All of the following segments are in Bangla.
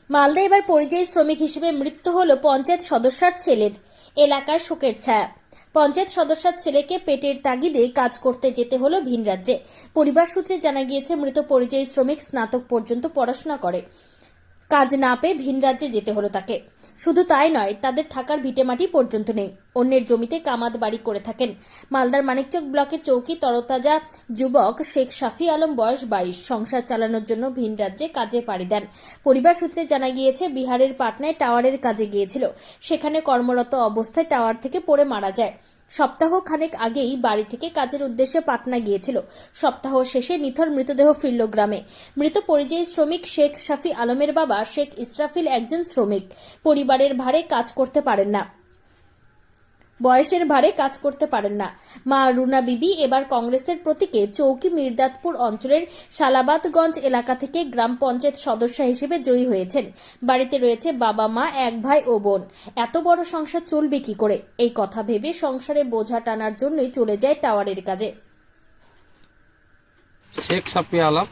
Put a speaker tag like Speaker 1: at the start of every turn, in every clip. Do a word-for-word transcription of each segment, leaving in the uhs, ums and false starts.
Speaker 1: মালদা এবার পরিযায়ী শ্রমিক হিসেবে মৃত্যু হলো পঞ্চায়েত সদস্যার ছেলের। এলাকার শোকের ছায়া। পঞ্চায়েত সদস্যার ছেলেকে পেটের তাগিদে কাজ করতে যেতে হলো ভিন রাজ্যে। পরিবার সূত্রে জানা গিয়েছে, মৃত পরিযায়ী শ্রমিক স্নাতক পর্যন্ত পড়াশোনা করে। কাজ না পেয়ে ভিন রাজ্যে যেতে হলো তাকে। শুধু তাই নয়, তাদের থাকার ভিটেমাটি পর্যন্ত নেই। অন্যের জমিতে কামাদ বাড়ি করে থাকেন। মালদার মানিকচক ব্লকের চৌকি তরতাজা যুবক শেখ শাফি আলম, বয়স বাইশ, সংসার চালানোর জন্য ভিন রাজ্যে কাজে পাড়ি দেন। পরিবার সূত্রে জানা গিয়েছে, বিহারের পাটনায় টাওয়ারের কাজে গিয়েছিল। সেখানে কর্মরত অবস্থায় টাওয়ার থেকে পড়ে মারা যায়। সপ্তাহ খানেক আগেই বাড়ি থেকে কাজের উদ্দেশ্যে পাটনা গিয়েছিল। সপ্তাহ শেষে নিথর মৃতদেহ ফিরল গ্রামে। মৃত পরিযায়ী শ্রমিক শেখ শাফি আলমের বাবা শেখ ইসরাফিল একজন শ্রমিক। পরিবারের ভারে কাজ করতে পারেন না বয়সের ভারে কাজ করতে পারেন না মা রুনা বিবি এবার কংগ্রেসের প্রতীকে চৌকি মির্দাতপুর অঞ্চলের শালাবাদগঞ্জ এলাকা থেকে গ্রাম পঞ্চায়েত সদস্য হিসেবে জয়ী হয়েছেন। বাড়িতে রয়েছে বাবা, মা, এক ভাই ও বোন। এত বড় সংসার চলবে কি করে, এই কথা ভেবে সংসারে বোঝা টানার জন্যই চলে যায় টাওয়ারের কাজে।
Speaker 2: শেখ শাফি আলম,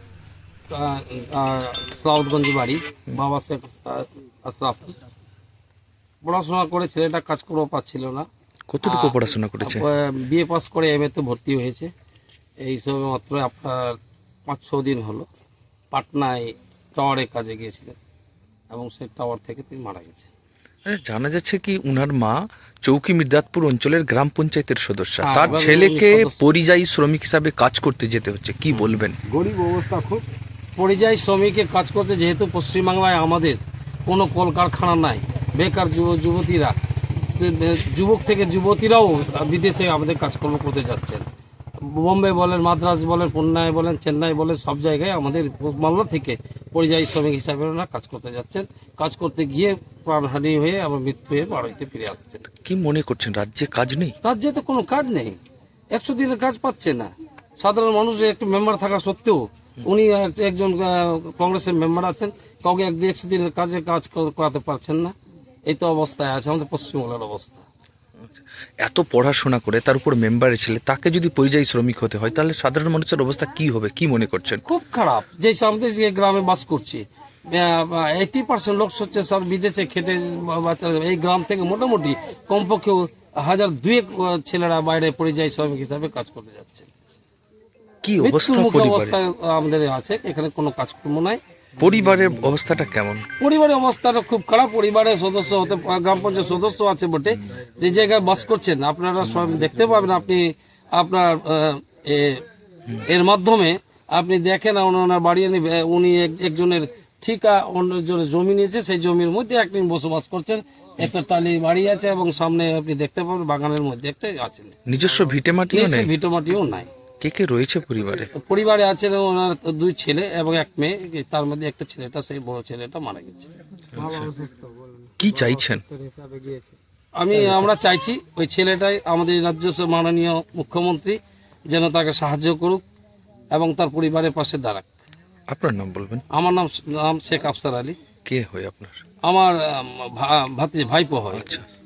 Speaker 2: সাউথগঞ্জ বাড়ি। বাবা শেখ আশরাফ। পড়াশোনা করে ছেলেটা কাজ করতে পারছিল না।
Speaker 3: কতটুকু পড়াশোনা করেছে?
Speaker 2: বিএ পাস করে এম এ তে ভর্তি হয়েছে। এই সবে মাত্র আপনার পাঁচ ছ দিন হলো পাটনায় টাওয়ারে কাজে গিয়েছিলেন এবং সেই টাওয়ার থেকে তিনি মারা গেছে।
Speaker 3: জানা যাচ্ছে কি উনার মা চৌকি মির্দাতপুর অঞ্চলের গ্রাম পঞ্চায়েতের সদস্য,
Speaker 2: হ্যাঁ,
Speaker 3: তার
Speaker 2: এবার
Speaker 3: ছেলেকে
Speaker 2: উনি সদস্য।
Speaker 3: পরিযায়ী শ্রমিক হিসাবে কাজ করতে যেতে হচ্ছে, কি বলবেন?
Speaker 4: গরিব অবস্থা খুব।
Speaker 2: পরিযায়ী শ্রমিকের কাজ করতে, যেহেতু পশ্চিমবাংলায় আমাদের কোনো কলকারখানা নাই, বেকার যুব যুবতীরা, যুবক থেকে যুবতীরাও বিদেশে আমাদের কাজকর্ম করতে যাচ্ছেন। বোম্বে বলেন, মাদ্রাজ বলেন, পুন্নায় বলেন, চেন্নাই বলেন, সব জায়গায় আমাদের মালদা থেকে পরিযায়ী শ্রমিক হিসাবে ওনারা কাজ করতে যাচ্ছেন। কাজ করতে গিয়ে প্রাণহানি হয়ে আবার মৃত্যু হয়ে বাড়িতে ফিরে আসছেন।
Speaker 3: কি মনে করছেন, রাজ্যে কাজ নেই?
Speaker 2: রাজ্যে তো কোনো কাজ নেই, একশো দিনের কাজ পাচ্ছে না। সাধারণ মানুষের একটু মেম্বার থাকা সত্ত্বেও উনি একজন কংগ্রেসের মেম্বার আছেন, কাউকে একশো দিনের কাজে কাজ করাতে পারছেন না। এই তো অবস্থায় আছে আমাদের পশ্চিমবাংলার অবস্থা।
Speaker 3: এত পড়াশোনা করে তার উপর মেম্বারের ছেলে, তাকে যদি পরিযায়ী শ্রমিক হতে হয় তাহলে সাধারণ মানুষের অবস্থা কি হবে, কি মনে করছেন?
Speaker 2: খুব খারাপ। যে আমাদের যে গ্রামে বাস করছি, এইটি পার্সেন্ট লোক হচ্ছে সব বিদেশে খেটে বাচ্চা। এই গ্রাম থেকে মোটামুটি কমপক্ষে হাজার দুয়েক ছেলেরা বাইরে পরিযায়ী শ্রমিক হিসাবে কাজ করতে যাচ্ছে।
Speaker 3: কি অবস্থা
Speaker 2: মৃত্যুমুখী অবস্থায় আমাদের আছে, এখানে কোনো কাজকর্ম নাই।
Speaker 3: পরিবারের অবস্থাটা কেমন?
Speaker 2: পরিবারের অবস্থাটা খুব খারাপ। পরিবারের সদস্য হতে, গ্রাম পঞ্চায়েত সদস্য আছে বটে, যে জায়গায় বাস করছেন আপনারা সব দেখতে পাবেন। আপনি আপনার এর মাধ্যমে আপনি দেখেন ওনার বাড়ি, উনি একজনের ঠিকা অন্যজনের জমি নিয়েছে, সেই জমির মধ্যে একদিন বসবাস করছেন। একটা টালি বাড়ি আছে এবং সামনে আপনি দেখতে পাবেন বাগানের মধ্যে একটা আছে।
Speaker 3: নিজস্ব ভিটেমাটিও নেই?
Speaker 2: ভিটেমাটিও নাই।
Speaker 3: কে কে রয়েছে পরিবারে?
Speaker 2: পরিবারে আছেন ওনার দুই ছেলে এবং এক মেয়ে, তার মধ্যে একটা ছেলেটা, সেই বড় ছেলেটা মারা গেছে।
Speaker 3: কি চাইছেন?
Speaker 2: আমি আমরা চাইছি ওই ছেলেটাই আমাদের রাজ্য মাননীয় মুখ্যমন্ত্রী যেন তাকে সাহায্য করুক এবং তার পরিবারের পাশে দাঁড়াক।
Speaker 3: আপনার নাম বলবেন?
Speaker 2: আমার নাম নাম শেখ আফসার আলী।
Speaker 3: কে হয় আপনার?
Speaker 2: আমার ভাতিজা, ভাইপো হয়।
Speaker 3: আচ্ছা।